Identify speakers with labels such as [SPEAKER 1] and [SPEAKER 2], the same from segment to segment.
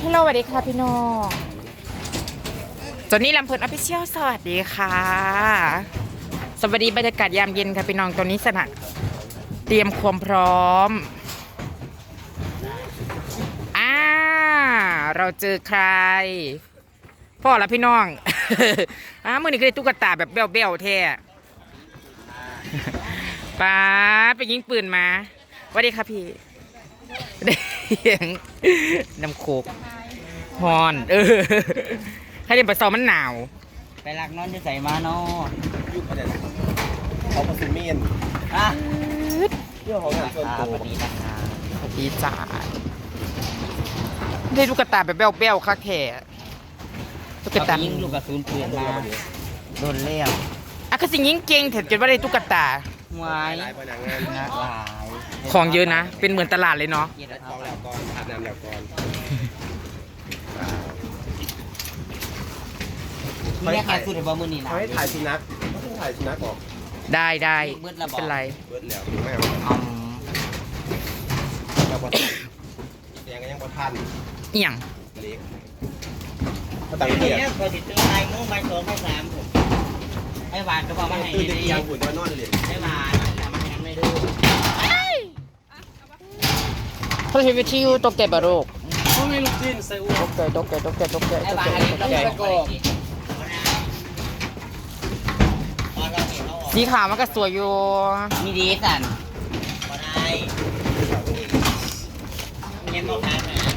[SPEAKER 1] ฮัลโหลสวัสดีค่ะพี่น้องจอนนี่ลำเพลินออฟฟิเชียลสวัสดีค่ะสวัสดีบรรยากาศยามเย็นค่ะพี่น้องตอนนี้สนะเตรียมความพร้อมเราเจอใครพ่อละพี่น้อง มื่อนี้ก็ได้ตุ๊กตาแบบเบี้ยวๆแท้ป้าไปยิงปืนมาสวัสดีค่ะพี่ได้ยังน้ำโคกฮอนให้เดินไปซ้อมมันหนาว
[SPEAKER 2] ไปลักนอนจะใส่มาเนาะ
[SPEAKER 3] ยุคอะไรนะเขาผสมเมียน
[SPEAKER 2] อ่ะ
[SPEAKER 3] เรื่องของงานส่วนตัว
[SPEAKER 2] สวัสดีนะคะ
[SPEAKER 1] สวัสดีจ้าได้ตุ๊กตาแบบเบี้ยวๆค่ะแค่ตุ๊กตา
[SPEAKER 2] ยิงลูกกระสุนปืนมาโดนเลี้ยว
[SPEAKER 1] ก็สิยิงเก่งเถอะจนว่าได้ตุ๊กตา
[SPEAKER 2] หวาย
[SPEAKER 3] หลายพนักงาน
[SPEAKER 2] หลาย
[SPEAKER 1] ของเยอะนะเป็นเหมือนตลาดเลยเนาะ
[SPEAKER 3] กองแล้วก่อนอาบน้ำแล้วก่อน
[SPEAKER 2] ไม่ได้ขายสุดในบ่มือนี่นะ
[SPEAKER 3] เขาให้ถ่ายสุนัขเขาให้ถ่ายสุนัขออก
[SPEAKER 1] ได้เป็นไร
[SPEAKER 3] เบิร์ดแล้วไม่เอาแล้วก็ยังบ่ทัน
[SPEAKER 1] เอียง
[SPEAKER 3] เล็กเขาตั้งเกียร์
[SPEAKER 2] พอติดตัวไอ้งูใบสองใบสามผมไอ้หวานก็บอกมาให้
[SPEAKER 3] ตื่นเตียงหุ่นนอนเลย
[SPEAKER 2] ไอ้หวานมาให้ไม่ดู
[SPEAKER 1] เขาใช้วิธีตกใจบารุก
[SPEAKER 3] ไม่ลูกจิ้นใส่อ้ว
[SPEAKER 1] ตกใจ
[SPEAKER 2] ไอ้หวานต้องสะกด
[SPEAKER 1] สีขาวมันก็สวยอยู่
[SPEAKER 2] มีดีสันพอได้เงี้ยบอกทางนะ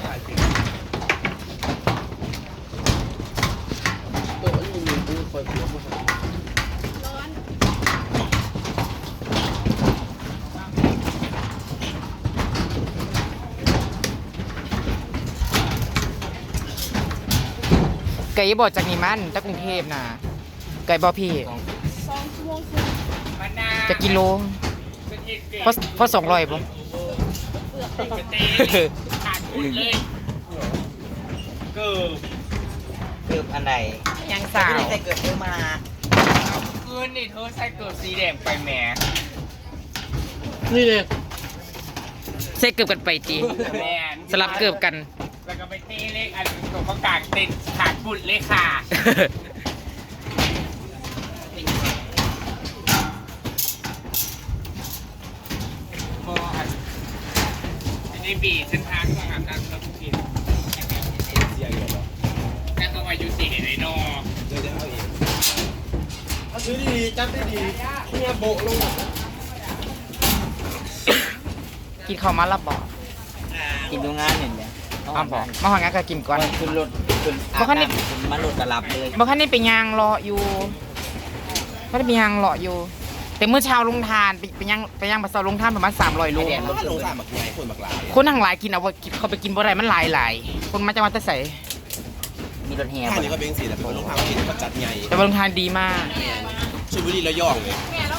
[SPEAKER 1] ไก่บอดจากนี่มันจากกรุงเทพนะไก่บอพี่จะกิโลเพราะ200ป่ะ
[SPEAKER 2] ขาดทุนเลยเกือบอันใด
[SPEAKER 1] ยังสาว
[SPEAKER 2] ใส่เกือบเพิ่มมา
[SPEAKER 4] คืนนี่เธอใส่เกือบสีแดงไปแหม
[SPEAKER 1] นี่เลยใส่เกือบกันไปตี
[SPEAKER 4] แมน
[SPEAKER 1] สลับเกือบกัน
[SPEAKER 4] แล้วก็ไปเต้เลขอันตัวประกาศเต็นขาดบุญเลยค่ะในบีเส้นทางของอาบน้ำแล้วกินแต่ก็มาอยู่สีเห็นไอ้นอ
[SPEAKER 3] เดี๋ยวเอาเองถ้าซื้อดีจับได้ดีเนี่ยโบลง
[SPEAKER 1] กินข้าวมาลับบ่
[SPEAKER 2] กินดูงานเนี่ย
[SPEAKER 1] อ้าวบอกมาหางานก็กินก่อน
[SPEAKER 2] ขึ้นรถขึ้นมาหลุดกระลับเลย
[SPEAKER 1] บางครั้งนี่ไปยางรออยู่ก็ได้ไปยางรออยู่แต่เมื่อเช้าลงทานไปย่างมาเสาลงทานประมาณ300 โล
[SPEAKER 3] ลงสามหมักใหญ่คนหมักหลาย
[SPEAKER 1] คนทั้งหลายกินเอาว่าเขาไปกินบ่ได้มันหลายคนมาจะมาแต่ใส่
[SPEAKER 2] มีรถแห่
[SPEAKER 3] ท่านี้ก็เป็นสีแต่คนลงทางกินเขาจัดใหญ่
[SPEAKER 1] แต่ลงทานดีมาก
[SPEAKER 3] ชลบุรีระยองเลย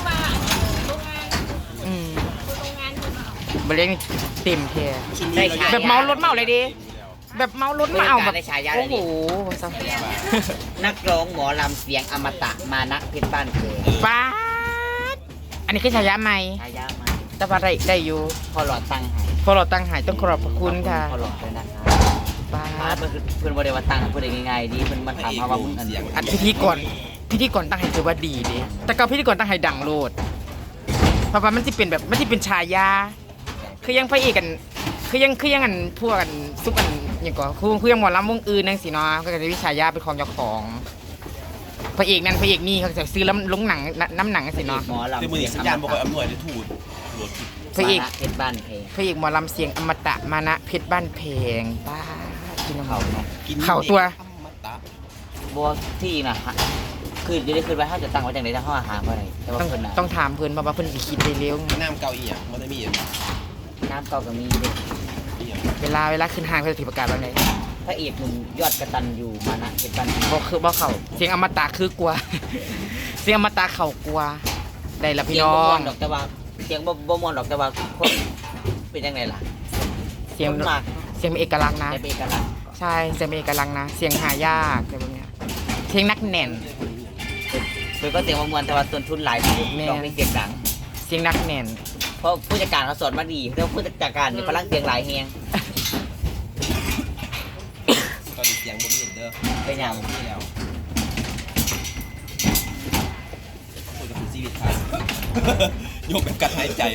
[SPEAKER 1] บริเวณเต็มแท้แบบเมารถเมาเลยดิแบบเมารถมาเอาแบบโอ้โห
[SPEAKER 2] นักร้องหมอลำเสียงอมตะมานะเพชรบ้านเกิด
[SPEAKER 1] ป้าอันนี้คือฉายาใหม่
[SPEAKER 2] ฉายาใหม่
[SPEAKER 1] แต่ว่าได้อยู่
[SPEAKER 2] พอหลอดตั้งหาย
[SPEAKER 1] พอเราตั้งหายต้องขอบพระคุณค่ะ
[SPEAKER 2] พอหลอดเลยนะครับป้าเพื่อนบริวารตั้งเพื่อนง่ายๆดีเพื่อนมาถามมาว่ามึง
[SPEAKER 1] อันพิธีกรตั้งให้ถือว่าดีดิแต่ก็พิธีกรตั้งให้ดังโลดเพราะว่ามันจะเป็นแบบมันจะเป็นฉายาคือยังพระเอกกันคือยังอันพวกกันซุปกันอย่างก่อนคือยังหมอลำวงอื่นนั่งสิเนาะก็จะวิชายาเป็นของเจ้าของพระเอกนั่นพระเอกนี่เขาจะซื้อแล้วลงหนังน้ำหนังสิเนาะ
[SPEAKER 2] หมอลำ
[SPEAKER 3] แต่มือสัญญาณบอกว่าอำนวยได้ถูก
[SPEAKER 1] พระเอก
[SPEAKER 2] เพชรบ้านเพลง
[SPEAKER 1] พระเอกหมอลำเสียงอมตะมานะเพชรบ้านเพลงป้ากินเขาเนาะ
[SPEAKER 3] กิน
[SPEAKER 1] ตัว
[SPEAKER 2] บัวที่นะฮะคือจะได้คืนไว้ถ้าจะตั้งไว้จังไรถ้าห้องอาหารเมื่อไรแต่ว่าเพื่อน
[SPEAKER 1] ต้องถามเพื่อนว่าเพื่อนคิดได้เร็ว
[SPEAKER 3] น้ำเกาอีอ่ะมันจะมี
[SPEAKER 2] น้ำเก่าก็มี
[SPEAKER 1] เวลาขึ้นห้างเขาจะถือประกาศว่าไง
[SPEAKER 2] พระเอกหนุ่มยอดกระตันอยู่มานะเพชรบ้าน
[SPEAKER 1] บอกคือบอกเขาเสียงอมตะคือกลัวเสียงอมตะเขากลัวได้ละพี่น้อง
[SPEAKER 2] ดอกแต่ว่าเสียงบ่มวนดอกแต่ว่าเป็นยังไงล่ะ
[SPEAKER 1] เสียงเป็นเอกลักษณ์นะใช่เสียงเป็นเอกลักษณ์นะเสียงหายากอะไรแบบนี้เสียงนักแน่น
[SPEAKER 2] คือก็เสียงมวนแต่ว่าต้นทุนหลายต้องเป็นเสียงดัง
[SPEAKER 1] เสียงนักแน่น
[SPEAKER 2] เพราะผู้จัดการเขาสอนมาดีเพราะผู้จัดการเนี่ยพลังเสียงหลายแฮง
[SPEAKER 3] เสียงบ่มีเด้อ
[SPEAKER 2] เป็นอย่าง
[SPEAKER 3] บ่มีแล้วคุยกับชีวิตไทยโยกแบบกัดหายใจ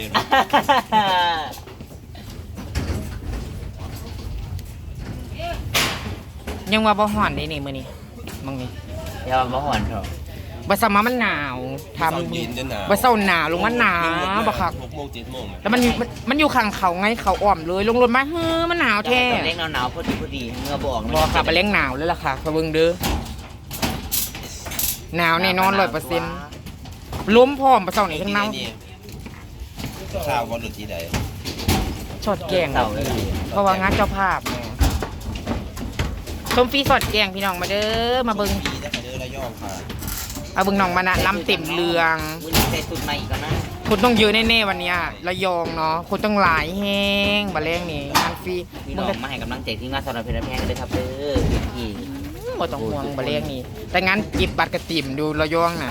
[SPEAKER 1] ยังว่าบ่ฮ้อนนี่มื้อนี้มึงนี่
[SPEAKER 2] อย่ามาหอนเถอะ
[SPEAKER 1] บ่ซัมมามันหนาวถาม
[SPEAKER 3] เศร้าเย็นจนหนาว
[SPEAKER 1] บ่เซาหนาวลงมาหนาวบ่คัก
[SPEAKER 3] 6 โมง 7 โมง
[SPEAKER 1] แล้วมันอยู่ข้างเขาไงเขาอ้อมเลยลงรถมาเฮ้อมันหนาวแท้
[SPEAKER 2] ตอนเล็กหนาวๆพอดีเมื่อบอก
[SPEAKER 1] บ่ค่ะไปเลี้ยงหนาวเลยล่ะค่ะไปเบิ่งเด้อหนาวแน่นอน100%ล้มพร้อมบ่เซานี่ทั้งหนาว
[SPEAKER 3] ข้าวบ่หลุดที่ใด
[SPEAKER 1] สอดแกง
[SPEAKER 2] เต่าเลย
[SPEAKER 1] เพราะว่างานเจ้าภาพชมฟรีสอดแกงพี่น้องมาเด้อมาเบิ่ง
[SPEAKER 3] ปีได้เด้อระยองค่ะ
[SPEAKER 1] เอาเบิ่งน้องมานะลำเต็มเรือง
[SPEAKER 2] มื้อนี้ใส่สุดใหม่อีกแล้วนะ
[SPEAKER 1] คนต้องเยอะแน่ๆวันเนี้ยระยองเนาะคนต้องหลายแฮงบ่แรงนี่งานฟรี
[SPEAKER 2] พี่
[SPEAKER 1] มึ
[SPEAKER 2] น้
[SPEAKER 1] ง
[SPEAKER 2] อ
[SPEAKER 1] ก็
[SPEAKER 2] งมาให้กำลังใจที่งานสำหรับเพชรแพงเลยครับเด้อพี่
[SPEAKER 1] บ่ต้องห่วงบ่แรงนี่แต่งานจิบบัตรกระติ่มดูระยองน่ะ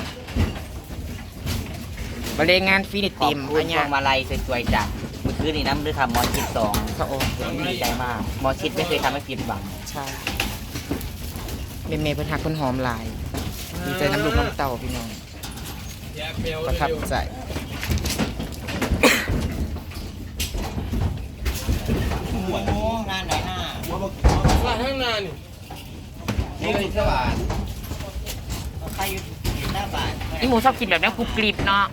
[SPEAKER 1] บ่แรงงานฟรีนี่
[SPEAKER 2] ขอบ
[SPEAKER 1] ติ่ม
[SPEAKER 2] คุณ
[SPEAKER 1] อัน
[SPEAKER 2] พ
[SPEAKER 1] เนี้
[SPEAKER 2] วย งมาลัยสวยๆจ้ะเมื่อคืนนี้น้ำด้วยทำหมอชิด2
[SPEAKER 1] พระองค์
[SPEAKER 2] ดีใจมากหมอชิดไม่เคยทำให้ผิดหวัง
[SPEAKER 1] ใช่เมย์เพิ่นหักเพิ่นหอมหลายดีใจน้ำลูกน้ำเต่าพี่น้องประทับใจ
[SPEAKER 2] โอ้งานไหนหน้า
[SPEAKER 3] ว่าข้างหน้านี่นี่สว่าง
[SPEAKER 2] ใครอยู่หน้าบ้าน
[SPEAKER 1] นี่หมูชอบกินแบบนี้กรุบกริบเนาะ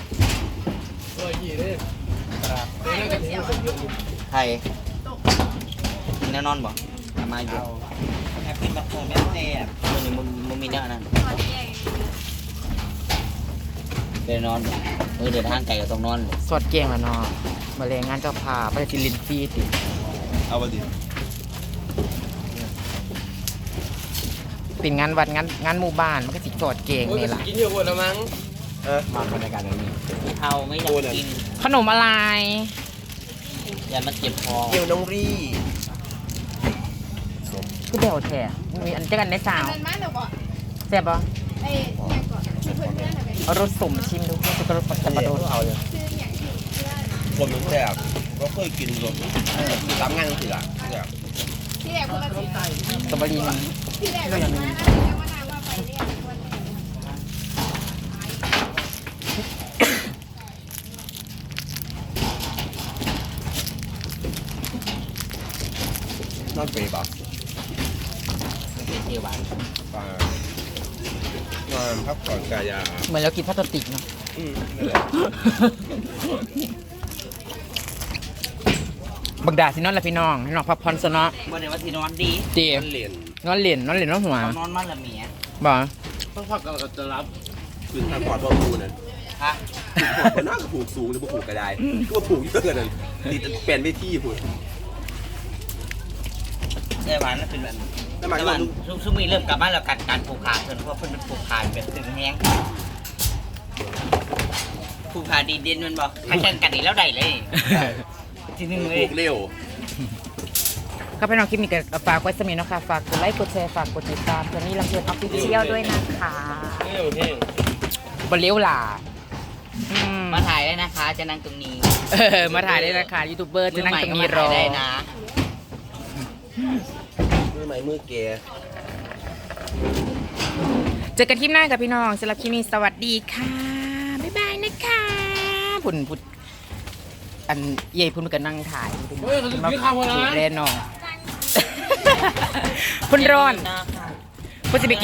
[SPEAKER 2] ใครกินแน่นอนบ่ทำมาอยู่แอบกินแบบโหไม่แซ่บมึงมีเนื้อนั่นเดินนอนเดินทางไกลก็ต้องนอน
[SPEAKER 1] สดเก่งแล้วเนาะมาแรงงานเจ้าพาไปสิลินฟรีติ
[SPEAKER 3] เอาบ่ดิ
[SPEAKER 1] เป็นงานวัดงานหมู่บ้านมันก็สิสดเก่งนี่ล่ะ
[SPEAKER 3] กินเยอะกว่าละมั้ง
[SPEAKER 2] มาบรรยากาศแบบนี้เฮาไม่อยากกิน
[SPEAKER 1] ขนมอะไร
[SPEAKER 2] อย่ามาเจ็บคอ
[SPEAKER 3] เกี่ยวน้องรี่
[SPEAKER 1] คือเบลแท้มีอันเจอกันในสาว
[SPEAKER 5] มันมาเดี๋ยวบอก
[SPEAKER 1] แซ่บปะ
[SPEAKER 5] ไอ้เนี่ยก่อนชื่อเพื่อนเพื่อนอะไร
[SPEAKER 1] เอารสสมชิมดูมันจะกระรสสับปะรด
[SPEAKER 3] เอาเลย
[SPEAKER 5] ชื่ออย่างที่เพื่อน
[SPEAKER 3] ผมมันแซ่บก็เคยกินรสตามงานสิล่ะเนี่ย
[SPEAKER 5] ที่แรกคนละสี
[SPEAKER 1] สตรอเบอรี่มัน
[SPEAKER 5] ที่แรกคนละสีแล้วมานานว่าไปเรียกคน
[SPEAKER 3] นอนเปย์ป่ะ
[SPEAKER 2] เป็นเทวาน
[SPEAKER 3] ป่านอนพักผ่อนกายา
[SPEAKER 1] เหมือนเรากินพลาสติกเนาะ
[SPEAKER 3] นั่นแหละ
[SPEAKER 1] บักดาสินอนละพี่น้องให้น้องพักผ่อนซะเนาะ
[SPEAKER 2] บ่ได้ว่าที่นอนดี
[SPEAKER 1] เจี
[SPEAKER 3] เหรียญ
[SPEAKER 1] นอนเหรียญนอนหัว
[SPEAKER 2] นอนมันละเมีย
[SPEAKER 1] บ่
[SPEAKER 3] ต้องพักเราจะรับคืนทางปอดพ่อผูนั่น
[SPEAKER 2] ฮะ
[SPEAKER 3] ผูกน่าจะผูกสูงหรือผูกกระไดก็ว่าผูกเยอะกันนั่นตีเปลี่ยนไปที่ผูก
[SPEAKER 2] เทวานนั่นเป็นแบบ
[SPEAKER 3] แล้วมัน
[SPEAKER 2] เท
[SPEAKER 3] ก็
[SPEAKER 2] วาน
[SPEAKER 3] ลูก
[SPEAKER 2] ซุ่มมีเริ่มกลับบ้านแล้วการผูกขาดเพิ่นเพราะเพิ่นเป็นผูกขาดแบบตึงแห้งผูกขาดดีเด่นมันบอกถ้ากันกัดอีกแล้วได้เลยทีนึงเล
[SPEAKER 3] ผู
[SPEAKER 2] ย
[SPEAKER 3] กเร็ว
[SPEAKER 1] ก็เป็นน้องคลิปนี้ก็ฝากไว้สมีเนาะค่ะฝากกดไลค์กดแชร์ฝากกดติดตามเพื่อนนี่ลำเพลินออฟฟิเชียลด้วยนะคะ
[SPEAKER 3] เร็วเท่ง
[SPEAKER 1] บนเลี้ยวหล่าอืม
[SPEAKER 2] มาถ่ายได้นะคะ จะนั่งตรงนี้
[SPEAKER 1] มาถ่ายได้นะคะยูทูบเบอร์จะนั่งตรงนี้ร
[SPEAKER 2] มื
[SPEAKER 1] อ
[SPEAKER 2] ใหม่ก็มาถ่ายได้นะ
[SPEAKER 3] มือใหม่มือแก
[SPEAKER 1] เจอกันคลิปหน้ากับพี่น้องสำหรับคลิปนี้สวัสดีค่ะ บ๊ายบายนะคะพุ่นอันเย่พุ่นมันก็นั่งถ่ายมาถูกแลน้องพุ่นร้อนพุ่นจะไป